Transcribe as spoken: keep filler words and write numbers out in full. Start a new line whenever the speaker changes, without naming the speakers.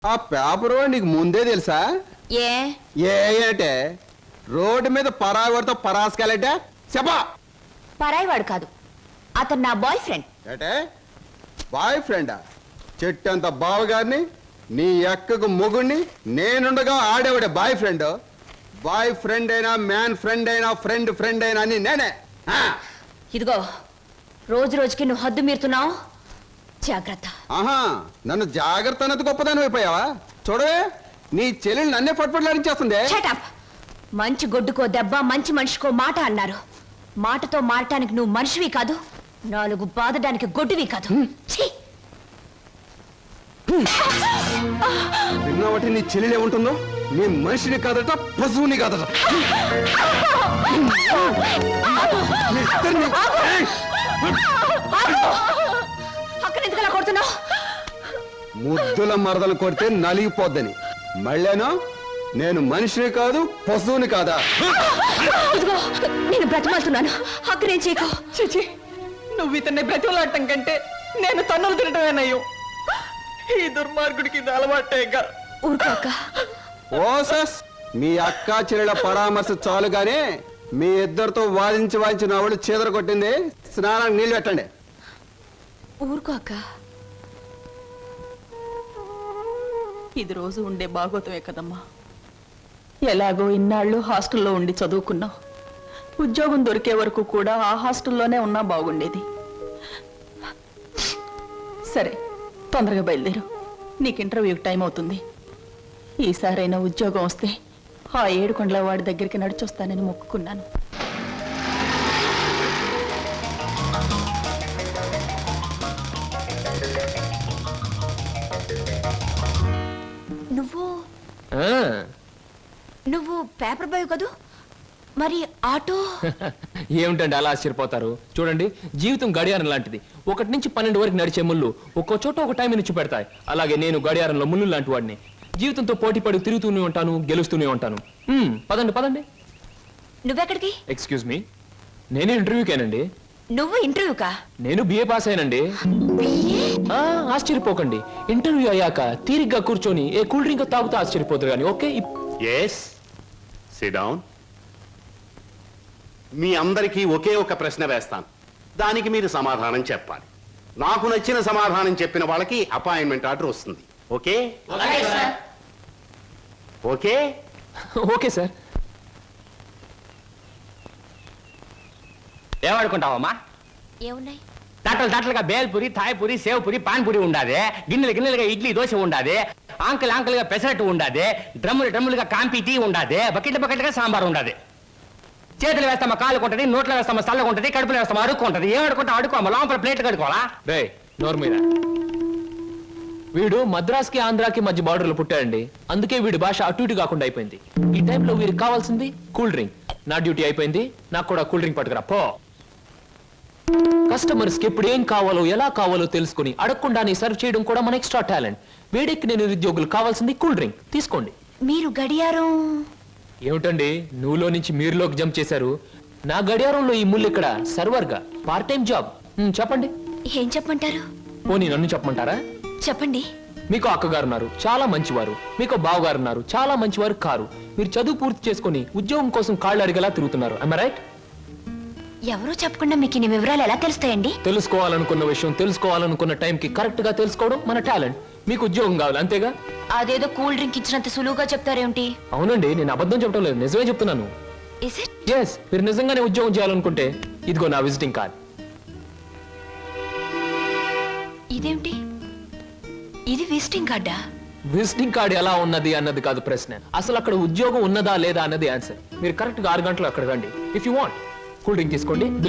ఆ పేపర్ నీకు ముందే తెలుసా?
ఏ
ఏ అంటే రోడ్డు మీద పరాగడితో పరాసుకెళ్ళటే చెప్పా.
పరాయివాడు కాదు, అతను నా బాయ్ ఫ్రెండ్.
అంటే బాయ్ ఫ్రెండా? చెట్టంత బావగారిని నీ ఎక్కకు మొగుణ్ణి నేనుండగా ఆడేవాడే బాయ్ ఫ్రెండ్. బాయ్ ఫ్రెండ్ అయినా మ్యాన్ ఫ్రెండ్ అయినా ఫ్రెండ్ ఫ్రెండ్ అయినా అని నేనే.
ఇదిగో రోజు రోజుకి నువ్వు హద్దు మీరుతున్నావు, జాగ్రత్త.
ఆహా, నన్ను జాగ్రత్త అన్నది గొప్పదాని అయిపోయావా? చూడవే, నీ చెల్లెలు నన్నే పట్టుపట్లాడించేస్తుంది.
Shut up. మంచి గొడ్డుకో దెబ్బ, మంచి మనిషికో మాట అన్నారు. మాటతో మారటానికి నువ్వు మనిషివి కాదు, నాలుగు బాధడానికి గొడ్డువి కాదు. ఛీ!
విన్నావటి నీ చెల్లెలు ఏముంటుందో? నీ మనిషిని కాదట, పశువుని కాదట. మీ ఇద్దరిని- ఏయ్!
అక్కడ ఎందుకు అలా కొడుతున్నావు?
ముద్దుల మరదలు కొడితే నలిగిపోద్దని. మళ్ళేనో నేను మనిషిని కాదు, పశువుని కాదా?
ఇదిగో నేను బ్రతిమాలుతున్నాను, అక్కడేం చేయకు.
చిచి, నువ్వు ఇతన్ని బ్రతిమలాడటం కంటే నేను తన్నులు తినటమేనయ్యో. ఈ దుర్మార్గుడికి ఇది అలవాటేగా.
ఊరుకోక.
ఓసస్, మీ అక్క చెల్లెల పరామర్శ చాలుగానే మీ ఇద్దరితో వాదించి వాదించి నా వాళ్ళు చీదర కొట్టింది. స్నానానికి నీళ్ళు పెట్టండి.
ఊరుకోక.
ఇది రోజు ఉండే భాగవతమే కదమ్మా. ఎలాగో ఇన్నాళ్ళు హాస్టల్లో ఉండి చదువుకున్నావు. ఉద్యోగం దొరికే వరకు కూడా ఆ హాస్టల్లోనే ఉన్నా బాగుండేది. సరే, తొందరగా బయలుదేరు, నీకు ఇంటర్వ్యూకి టైం అవుతుంది. ఈసారైనా ఉద్యోగం వస్తే ఆ ఏడుకొండల వాడి దగ్గరికి నడిచొస్తానని మొక్కుకున్నాను.
నువ్వు నువ్వు పేపర్ బాయ్ కదూ, మరి ఆటో?
ఏమిటండి అలా ఆశ్చర్యపోతారు? చూడండి, జీవితం గడియారం లాంటిది. ఒకటి నుంచి పన్నెండు వరకు నడిచే ముళ్ళు ఒక్కో చోట ఒక టైం నుంచి పెడతాయి. అలాగే నేను గడియారంలో ముళ్ళు లాంటి వాడిని. జీవితంతో పోటీ పడి తిరుగుతూనే ఉంటాను, గెలుస్తూనే ఉంటాను. మ్మ్, పదండి పదండి.
నువ్వెక్కడికి?
ఎక్స్క్యూజ్ మీ, నేను ఇంటర్వ్యూకేనండి.
నువ్వు ఇంటర్వ్యూకా?
నేను బిఏ పాస్ అయినండి. ఆ, ఆశ్చర్యపోకండి. ఇంటర్వ్యూ అయ్యాక తీరిగ్గా కూర్చొని ఏ కూల్ డ్రింక్ తాగుతూ ఆశ్చర్యపోతారు కానీ. Okay,
yes, sit down. మీ అందరికీ ఒకే ఒక ప్రశ్న వేస్తాను, దానికి మీరు సమాధానం చెప్పాలి. నాకు నచ్చిన సమాధానం చెప్పిన వాళ్ళకి అపాయింట్మెంట్ ఆర్డర్ వస్తుంది. Okay okay
okay sir.
ఏమనుకుంటావమ్మా?
ఏమున్నాయి?
తట్టలు తట్టలుగా బేల్పూరి, థాయ్పూరి, సేవ్పూరి, పాన్పూరి ఉండాది. గిన్నెలు గిన్నెలుగా ఇడ్లీ దోశ ఉండాది. ఆంకలు ఆంకలుగా పెసరట్టు ఉండాది. డ్రమ్ములు డ్రమ్ములుగా కాంపి టీ ఉండాది. బకెట్ల బకెట్లుగా సాంబార్ ఉండాది. చేతులు వేస్తామా కాలు కొంటది, నోట్లో వేస్తామా చల్లగా ఉంటది, కడుపులో వేస్తామా అడుక్కుంటది. ఏం అడుకుంటా అడుకోమా, లోపల ప్లేట్ కడుకోవాలా?
రే నోరు మీద. వీడు మద్రాస్కి ఆంధ్రాకి మధ్య బార్డర్లో పుట్టాడండి. అందుకే వీడి భాష అటు ఇటు కాకుండా అయిపోయింది. ఈ టైంలో వీరికి కావాల్సింది కూల్ డ్రింక్. నా డ్యూటీ అయిపోయింది, నాకు కూడా కూల్ డ్రింక్ పట్టుకురా పో. కస్టమర్స్ కి ఎప్పుడు ఏం కావాలో ఎలా కావాలో తెలుసుకుని అడగకుండానే సర్వ్ చేయడం కూడా మన ఎక్స్ట్రా టాలెంట్. వీడికి నేను నిరుద్యోగులు కావాల్సింది కూల్ డ్రింక్. తీసుకోండి.
మీరు గడియారం?
ఏమిటండి నువ్వులో నుంచి మీరులోకి జంప్ చేశారు? నా గడియారంలో ఈ ముళ్ళు ఇక్కడ సర్వర్ గా పార్ట్ టైం జాబ్. ఉమ్, చెప్పండి.
ఏం చెప్పమంటారు?
పోనీ నన్ను చెప్పమంటారా?
చెప్పండి.
మీకు అక్కగారు ఉన్నారు, చాలా మంచివారు. మీకు బావగారు ఉన్నారు, చాలా మంచివారు కారు. మీరు చదువు పూర్తి చేసుకుని ఉద్యోగం కోసం కాళ్ళు అడిగేలా తిరుగుతున్నారు. I right?
ఎవరో చెప్పకుండా మీకు ఇన్ని వివరాలు ఎలా తెలుస్తాయండి?
తెలుసుకోవాలనుకున్న విషయం తెలుసుకోవాలనుకున్న టైంకి కరెక్ట్ గా తెలుసుకోవడం మన టాలెంట్. మీకు ఉద్యోగం కావాలి అంతేగా?
అదేదో కూల్ డ్రింక్ ఇచ్చినంత సులువుగా చెప్తారేమిటి?
అవునండి, నేను అబద్ధం చెప్పడం లేదు, నిజమే చెప్తున్నాను.
Is it?
ఎస్, మీరు నిజంగానే ఉద్యోగం చేయాలనుకుంటే ఇదిగో నా విజిటింగ్ కార్డ్.
ఇదేమిటి? ఇది విజిటింగ్ కార్డా?
విజిటింగ్ కార్డ్ ఎలా ఉన్నది అన్నది కాదు ప్రశ్న, అసలు అక్కడ ఉద్యోగం ఉన్నదా లేదా అన్నది ఆన్సర్. మీరు కరెక్ట్ గా ఆరు గంటలు అక్కడ రండి. If you want cool drink తీసుకోండి.